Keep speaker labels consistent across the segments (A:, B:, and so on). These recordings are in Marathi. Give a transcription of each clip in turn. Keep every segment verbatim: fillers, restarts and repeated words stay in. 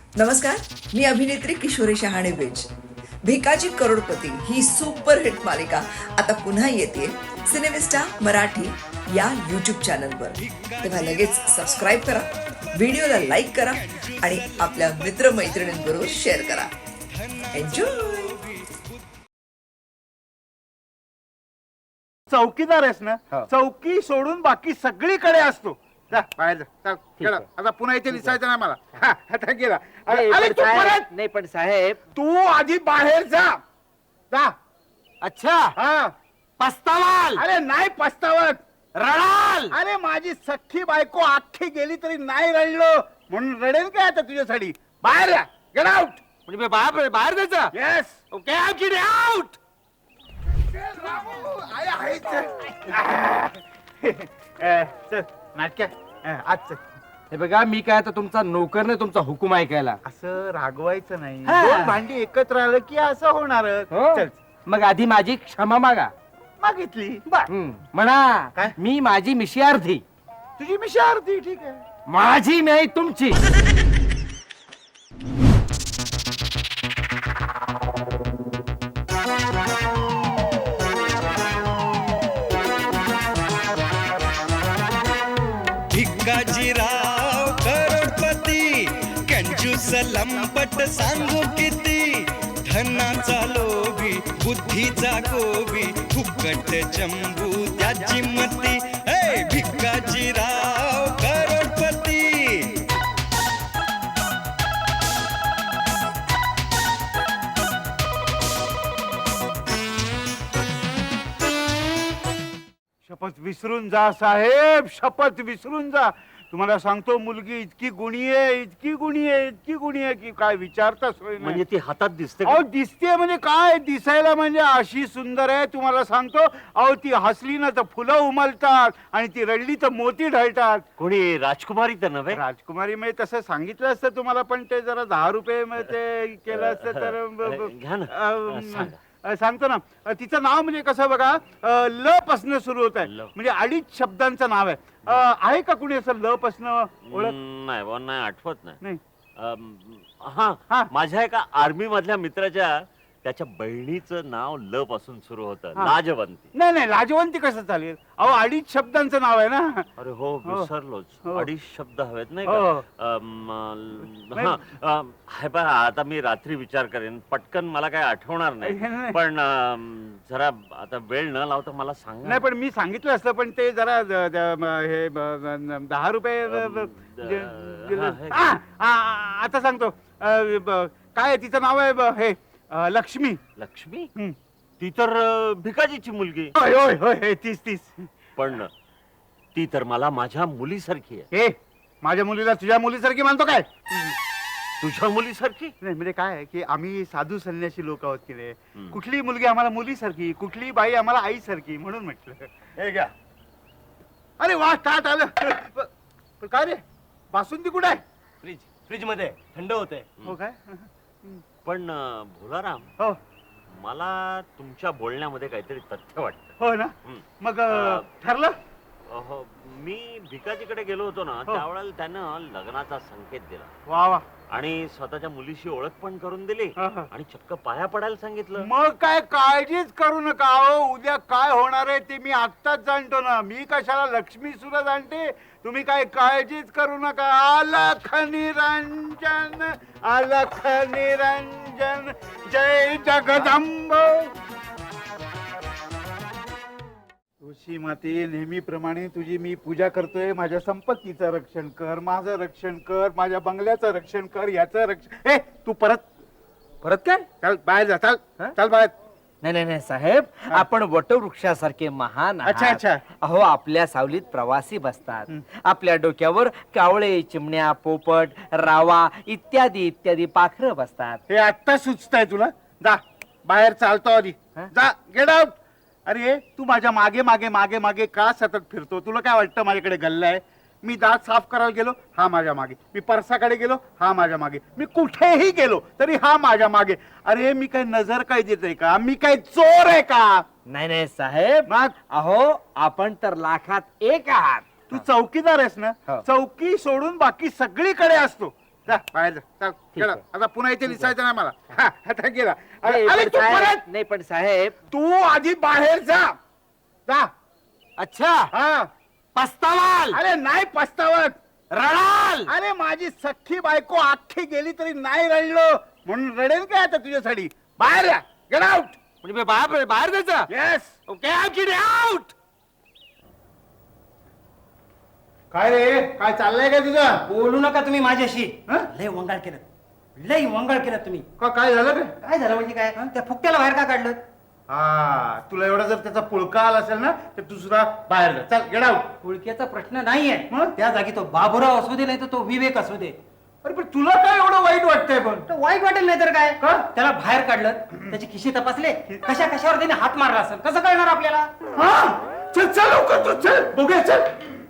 A: नमस्कार, मी अभिनेत्री किशोरी शहाणे बेज. भिकाजी करोडपती ही सुपरहिट मालिका आता पुन्हा येते सिनेमिस्टा मराठी या यूट्यूब चॅनलवर. तेव्हा लगेच सबस्क्राईब करा, व्हिडिओला लाईक करा आणि आपल्या मित्रमैत्रिणींबरोबर शेअर करा. एन्जॉय.
B: चौकीदार आहेस ना,
C: हो.
B: चौकी सोडून बाकी सगळीकडे असतो. जा बाहेर जा. चल,
C: ठीक
B: गेला.
C: आहे.
B: आता पुन्हा इथे दिसायचं ना मला. हा, आता गेला. अरे
C: नाही,
B: अरे,
C: पण
B: तू
C: साहेब-
B: परत
C: नाही पण साहेब.
B: तू आधी बाहेर जा. जा.
C: अच्छा,
B: हा.
C: पस्तावाल,
B: अरे नाही पस्तावत.
C: रडाल.
B: अरे माझी सख्खी बायको अख्खी गेली तरी नाही रडलो म्हणून रडेल काय आता तुझ्यासाठी. बाहेर या. Get out.
C: म्हणजे मी बाहेर बाहेर जायचं.
B: Yes.
C: Okay, I get out.
B: चल नाटक आज चल.
C: हे बघा, मी काय आता तुमचा नोकर नाही, तुमचा हुकूम ऐकायला.
B: असं रागवायचं नाही.
C: हा.
B: दोन भांडी एकत्र आलं की असं होणार.
C: हो?
B: चल
C: मग आधी माझी क्षमा मागा.
B: मागितली बर.
C: हम्म, म्हणा
B: काय?
C: मी माझी मिशी अर्धी.
B: तुझी मिशी अर्धी. ठीक आहे.
C: माझी नाही, तुमची.
D: भिकाजीराव करोडपती कंजूस लंपट सांगू किती धनाचा लोभी बुद्धीचा गोबी फुकट चंबू त्याची मती. हे भिकाजीराव करोडपती.
B: शपथ विसरून जा साहेब, शपथ विसरून जा. तुम्हाला सांगतो मुलगी इतकी गुणी आहे, इतकी गुणी आहे, इतकी गुणी आहे की काय विचारता सोय नाही.
C: म्हणजे ती हातात दिसते.
B: अहो दिसते म्हणजे काय, दिसायला म्हणजे अशी सुंदर आहे तुम्हाला सांगतो. अहो ती हसली ना तर फुलं उमलतात आणि ती रडली तर मोती ढळतात.
C: कोणी राजकुमारी तर नव्हे.
B: राजकुमारी मी तसं सांगितलं असतं तुम्हाला, पण ते जरा दहा रुपये म ते केलं असतं तर ब- ब-
C: घ्या ना.
B: अं,
C: सांगा.
B: अं, सांगतो ना. अं, तिचं नाव म्हणजे कसं बघा, अं, ल पासनं सुरू होत आहे.
C: ल.
B: म्हणजे अडीच शब्दांचं नाव आहे. अं, आहे का कुणी असं ल पासनं ओळख?
E: नाही बुवा, नाही आठवत नाही.
B: नाही.
E: अम, हा
B: हा.
E: माझ्या एका आर्मी मधल्या मित्राच्या त्याच्या बहिणीचं नाव ल पासून सुरू होतं,
B: हा.
E: लाजवंती.
B: नाही नाही लाजवंती कसं चालेल. अहो अडीच शब्दांचं नाव आहे ना.
E: अरे हो,
B: हो.
E: विसरलोच.
B: हो.
E: अडीच शब्द हवेत नाही
B: हो.
E: का? अम, ल- हा, अम, हे पहा, आता मी रात्री विचार करेन, पटकन मला काय आठवणार
B: नाही,
E: नाही.
B: नाही.
E: पण अम, जरा आता वेळ न लावता मला सांगा.
B: नाही पण मी सांगितलं असतं, पण ते जरा द- द- म- हे ब- ब- दहा रुपये ब- ब-
E: द-
B: ज- ज-
E: हा, हे.
B: आ, आ, आ, आता सांगतो. अं, ब- काय आहे तिचं नाव आहे ब- हे अं, लक्ष्मी.
E: लक्ष्मी?
B: हं.
E: ती तर अ, भिकाजीची मुलगी.
B: होय होय होय हे, तीस तीस.
E: पण ती तर मला माझ्या मुलीसारखी आहे.
B: हे माझ्या मुलीला तुझ्या मुलीसारखी मानतो काय?
E: तुझ्या मुलीसारखी?
B: नाही म्हणजे काय आहे की आम्ही साधू संन्यासी लोक आहोत की रे.
E: हं.
B: कुठली मुलगी आम्हाला मुलीसारखी, कुठली बाई आम्हाला आईसारखी म्हणून म्हटलं. हे घ्या. अरे वा, ताट आलं. प- पण काय रे, बासुंदी कुठे आहे?
C: फ्रीज फ्रीज मध्ये थंड होते.
B: हो काय?
E: पण अ, भोलाराम,
B: हो
E: मला तुमच्या बोलण्यामध्ये काहीतरी तथ्य वाटतं.
B: हो ना.
E: हं.
B: मग अं,
E: अं,
B: ठरलं.
E: अहो, मी भिकाजीकडे गेलो होतो ना,
B: हो.
E: त्यावेळेला त्यानं लग्नाचा संकेत दिला
B: वा वा.
E: आणि स्वतःच्या मुलीशी ओळख पण करून दिली
B: हा, हा.
E: आणि चक्क पाया पडायला सांगितलं.
B: मग काय काळजीच करू नका. अहो उद्या काय होणार आहे ते मी आत्ताच जाणतो ना. मी कशाला लक्ष्मी सुद्धा जाणते. तुम्ही काय काळजीच करू नका. अलख निरंजन, अलख निरंजन, जय जगदंब. तुळशी माते, नेहमीप्रमाणे तुझी मी पूजा करतोय. माझ्या संपत्तीचं रक्षण कर, माझं रक्षण कर, माझ्या बंगल्याचं रक्षण कर, याचं रक्षण. ए तू परत
C: परत काय?
B: चल बाहेर जा. चल
C: हा?
B: चल बाहेर.
C: नाही नाही नाही साहेब, आपण वटवृक्षासारखे महान आहात.
B: अच्छा, अच्छा.
C: अहो आपल्या सावलीत प्रवासी बसतात.
B: हं.
C: आपल्या डोक्यावर कावळे, चिमण्या, पोपट, रावा इत्यादी इत्यादी पाखरं बसतात.
B: हे आत्ता सुचतंय तुला. जा बाहेर चालतो आधी.
C: हा?
B: जा गेट आउट. अरे तू माझ्या मागे मागे मागे मागे का सतत फिरतो? तुला काय वाटतं माझ्याकडे गल्ला आहे? मी दात साफ करायला गेलो, हा माझ्या मागे. मी परसाकडे गेलो, हा माझ्या मागे. मी कुठेही गेलो तरी हा माझ्या मागे. अरे मी काय नजर काय देतोय का? मी काय चोर आहे का?
C: नाही नाही साहेब,
B: मग
C: अहो आपण तर लाखात एक आहात.
B: तू चौकीदार आहेस ना.
C: हो.
B: चौकी सोडून बाकी सगळीकडे असतो. जा बाहेर जा चल
C: ठीक
B: गेला.
C: आहे.
B: आता पुन्हा इथे दिसायचं नाही मला हा, आता गेला अरे
C: नाही,
B: अरे,
C: पण
B: तू
C: साहेब-
B: परत
C: नाही पण साहेब
B: तू आधी बाहेर जा जा
C: अच्छा
B: हा
C: पस्तावाल
B: अरे नाही पस्तावत
C: रडाल
B: अरे माझी सख्खी बायको अख्खी गेली तरी नाही रडलो म्हणून रडेल काय आता तुझ्यासाठी बाहेर या गेट आउट
C: म्हणजे मी बाहेर बाहेर जायचं
B: येस
C: ओके आउट
B: काय रे काय चाललंय का तुझं
F: बोलू नका तुम्ही माझ्याशी
B: हं?
F: लय वंगाळ केलं लय वंगाळ केलं तुम्ही
B: का काय झालं काय
F: काय झालं म्हणजे काय त्या फुकट्याला बाहेर का काढलं
B: हा तुला एवढा जर त्याचा पुळका आला असेल ना तर तू सुद्धा बाहेर जा चल गेट आउट
F: पुळक्याचा प्रश्न नाहीये
B: मग?
F: त्या जागी तो बाबूराव असू दे नाही तर तो विवेक असू दे
B: अरे पण तुला काय एवढं वाईट वाटतंय पण
F: तो वाईट वाटेल नाही तर काय
B: का?
F: त्याला बाहेर काढलं त्याचे खिशे तपासले कशा कशावर त्याने हात मारला असेल कसं कळणार आपल्याला
B: हा चल चल लवकर तू चल बघूया चल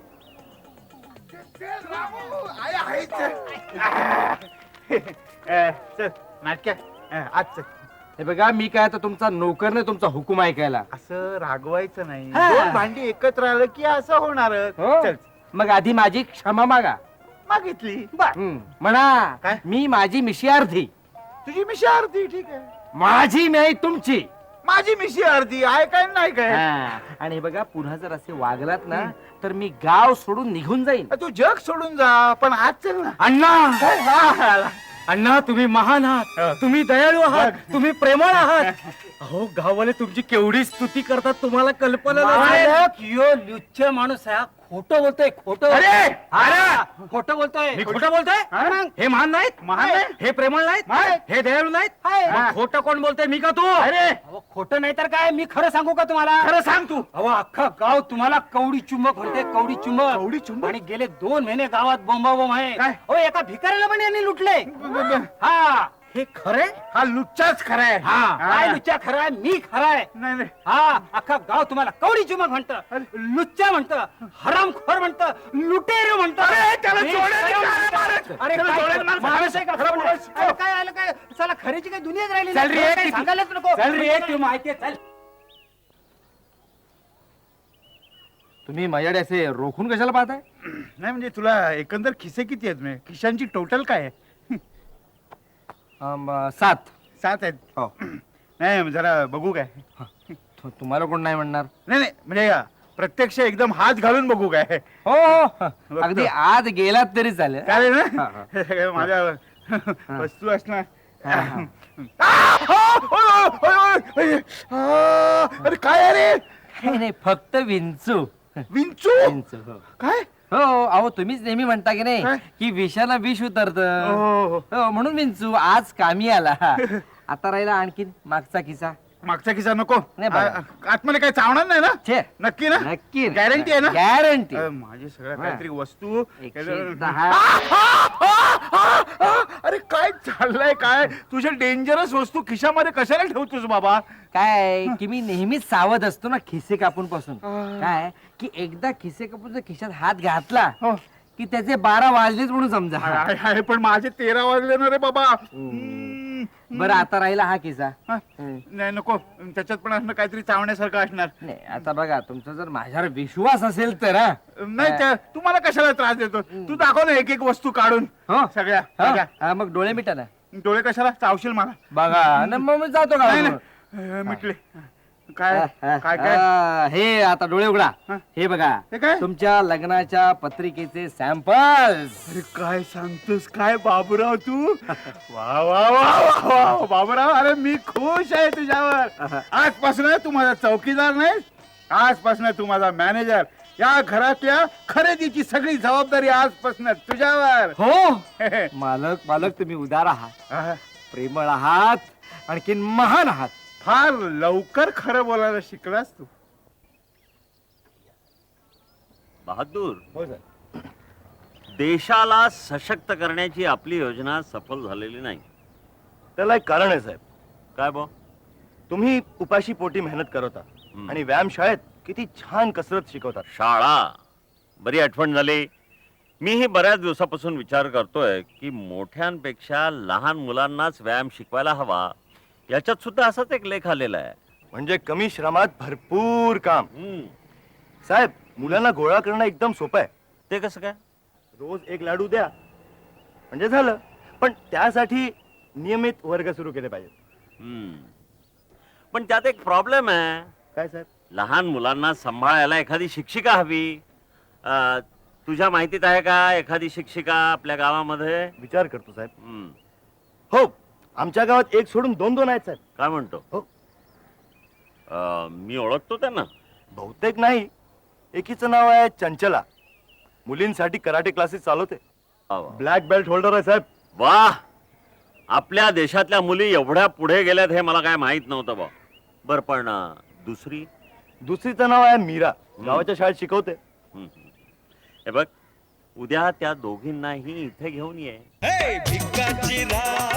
B: चल, रामू, आहे, आहे, चल. अ, चल नाटक्या आज चल
C: हे बघा मी काय तर तुमचा नोकर नाही तुमचा हुकूम ऐकायला
B: असं रागवायचं नाही
F: हा.
B: दोन भांडी एकत्र आलं की असं होणार
C: हो?
B: चल
C: मग आधी माझी क्षमा मागा
B: मागितली
C: हम्म, म्हणा
B: काय?
C: मी माझी मिशी अर्धी
B: तुझी मिशी अर्धी ठीक आहे
C: माझी नाही तुमची
B: माझी मिशी अर्धी आहे काय नाही काय
C: हा. आणि हे बघा पुन्हा जर असे वागलात ना तर मी गाव सोडून निघून जाईन
B: तू जग सोडून जा पण आज चल ना
C: अण्णा
B: काय? हा, आला.
C: अण्णा तुम्ही महान आहात तुम्ही दयाळू आहात तुम्ही प्रेमळ आहात अहो गाववाले तुमची केवढी स्तुती करतात तुम्हाला कल्पना नाही.
F: मालक, यो लुच्छ माणूस आहे खोटं बोलतोय खोटं
B: अरे!
F: अरे खोटं बोलतोय
C: मी खोटं बोलतोय
B: हा?
C: हे महान नाहीत
B: महान नाही?
C: हे प्रेमळ नाहीत
B: नाही.
C: हे दयाळू नाहीत
F: आहे.
C: मग खोटं कोण बोलतोय मी का तू
B: अरे
F: अहो, खोटं नाही तर काय मी खरं सांगू का तुम्हाला
B: खरं सांग तू
F: अहो अख्खा गाव तुम्हाला कवडी चुंबक म्हणते कवडी चुंबक
B: कवडी चुंबक?
F: आणि गेले दोन महिने गावात बोंबाबोंब आहे
B: काय?
F: हो एका भिकाऱ्याला पण यांनी लुटले हा
C: हे खरे
B: हा लुच्चाच खरा आहे
F: हा काय लुच्चा खरा आहे मी खरा आहे
B: नाही नाही
F: हा अख्खा गाव तुम्हाला कवडी चुंबक म्हणतं लुच्चा म्हणतं हरामखोर म्हणतं लुटेर म्हणतं
B: अरे, त्याला
F: हे
B: जोड्याने
F: सगळं
B: काय
F: म्हणतं.
B: मारत?
F: अरे
B: त्याला
F: काय
B: जोड्याने मारत?
F: माणूस आहे का?
B: खरं बोलायचं.
F: अरे, काय आलं काय चला खरीची काही दुनियाच राहिली
C: चल रे,
F: काही
C: किती-
F: सांगायलाच नको
C: चल रे,
F: तू माहिती आहे, चल
C: तुम्ही माझ्याकडे असे रोखून कशाला पाहताय
B: नाही म्हणजे तुला एकंदर खिसे किती आहेत म्हणजे खिशांची टोटल काय आहे
C: अम, सात
B: सात आहेत
C: हो
B: नाही जरा बघू काय
C: तु- तुम्हाला कोण नाही म्हणणार
B: नाही नाही म्हणजे प्रत्यक्ष एकदम हात घालून बघू काय
C: हो हो अगदी आज गेलात तरी चालेल
B: चालेल
C: हा,
B: ना
C: हा.
B: हे सगळं माझ्या वस्तू असणार
C: हा, हा.
B: आ! ओय, ओय, ओय, ओय, ओय. आ! अरे काय अरे
C: नाही नाही, फक्त विंचू
B: विंचू
C: विंचू हो
B: काय
C: हो अहो तुम्हीच नेहमी म्हणता की नाही
B: काय?
C: की विषाला विष उतरत
B: हो, हो.
C: म्हणून विंचू आज कामी आला आता राहिला आणखीन मागचा किस्सा
B: मागचा किस्सा नको
C: नाही, बघा.
B: आ- आतमध्ये काय चावणार नाही ना
C: छे
B: नक्की ना
C: नक्की
B: गॅरंटी आहे ना
C: गॅरंटी
B: अ, माझी सगळ्या
C: हा.
B: काहीतरी वस्तू
C: एकशे दहा.
B: आ, आ, आ, आ, अरे काय चाललंय काय तुझ्या डेंजरस वस्तू खिशामध्ये कशाला ठेवतोस बाबा
C: काय की मी नेहमीच सावध असतो ना खिसे कापून पासून काय की एकदा खिसे कापून जर खिशात हात घातला
B: हो.
C: की त्याचे बारा वाजलेच म्हणून समजा
B: आहे, आहे, पण माझे तेरा वाजले ना रे बाबा हम्म.
C: बरं आता राहिला हा किस्सा
B: हा.
C: हम्म.
B: नाही नको त्याच्यात पण असणं काहीतरी चावण्यासारखं असणार
C: नाही आता बघा तुमचा जर माझ्यावर विश्वास असेल तर हा.
B: नाही त्या- तुम्हाला कशाला त्रास देतो तू दाखव ना एक एक वस्तू काढून
C: हो?
B: सगळ्या
C: हा?
B: सगळ्या.
C: हा, मग डोळे मिटा ना
B: डोळे कशाला चावशील मला
C: बघा न मग मी जातो
B: नाही
C: का
B: नाही अ, मिटले काय काय काय
C: आ, हे आता डोळे उघडा
B: हा.
C: हे बघा
B: हे काय?
C: तुमच्या लग्नाच्या पत्रिकेचे सॅम्पल्स
B: अरे काय सांगतोस काय बाबूराव तू वा वा वा वा वा बाबूराव अरे मी खुश आहे तुझ्यावर आजपासून तू माझा चौकीदार नाही आजपासून तू माझा मॅनेजर या घरातल्या खरेदीची सगळी जबाबदारी आजपासून तुझ्यावर
C: हो मालक मालक तुम्ही उदार आहात
B: आह,
C: प्रेमळ आहात आणखीन महान आहात
B: फार लवकर खरं बोलायला शिकलास तू
E: बहादूर
B: हो सर
E: देशाला सशक्त करण्याची आपली योजना सफल झालेली नाही
G: त्याला एक कारण आहे साहेब
E: काय बो
G: तुम्ही उपाशी पोटी मेहनत करता
E: हं.
G: आणि व्यायाम शाळेत किती छान कसरत शिकवतात
E: शाळा बरी आठवण झाली मीही बऱ्याच दिवसापासून विचार करतोय की मोठ्यांपेक्षा लहान मुलांनाच व्यायाम शिकवायला हवा याच्यात सुद्धा असाच एक लेख आलेला आहे
G: म्हणजे कमी श्रमात भरपूर काम
E: हम्म,
G: साहेब मुलांना गोळा करणं एकदम सोपं आहे
E: ते कसं काय
G: रोज एक लाडू द्या म्हणजे झालं. पण त्यासाठी नियमित वर्ग सुरू केले पाहिजेत.
E: हम्म. पण त्यात एक प्रॉब्लेम आहे.
G: काय साहेब?
E: लहान मुलांना सांभाळायला एखादी शिक्षिका हवी. अं, तुझ्या माहितीत आहे का एखादी शिक्षिका आपल्या गावामध्ये?
G: विचार करतो साहेब.
E: हम्म.
G: हो, आमच्या गावात एक सोडून दोन दोन आहेत साहेब.
E: काय म्हणतो?
G: हो.
E: अं, मी ओळखतो त्यांना.
G: बहुतेक नाही. एकीचं नाव आहे चंचला. मुलींसाठी कराटे क्लासेस चालवते.
E: वा वा.
G: ब्लॅक बेल्ट होल्डर आहे साहेब.
E: वा, आपल्या देशातल्या मुली एवढ्या पुढे गेल्यात हे मला काय माहित नव्हतं बा. बर, पण अं, दुसरी?
G: दुसरीचं नाव आहे मीरा. गावाच्या शाळेत शिकवते.
E: हम्म. हे बघ, उद्या त्या दोघींनाही इथे घेऊन ये.
D: हे भिकाची राह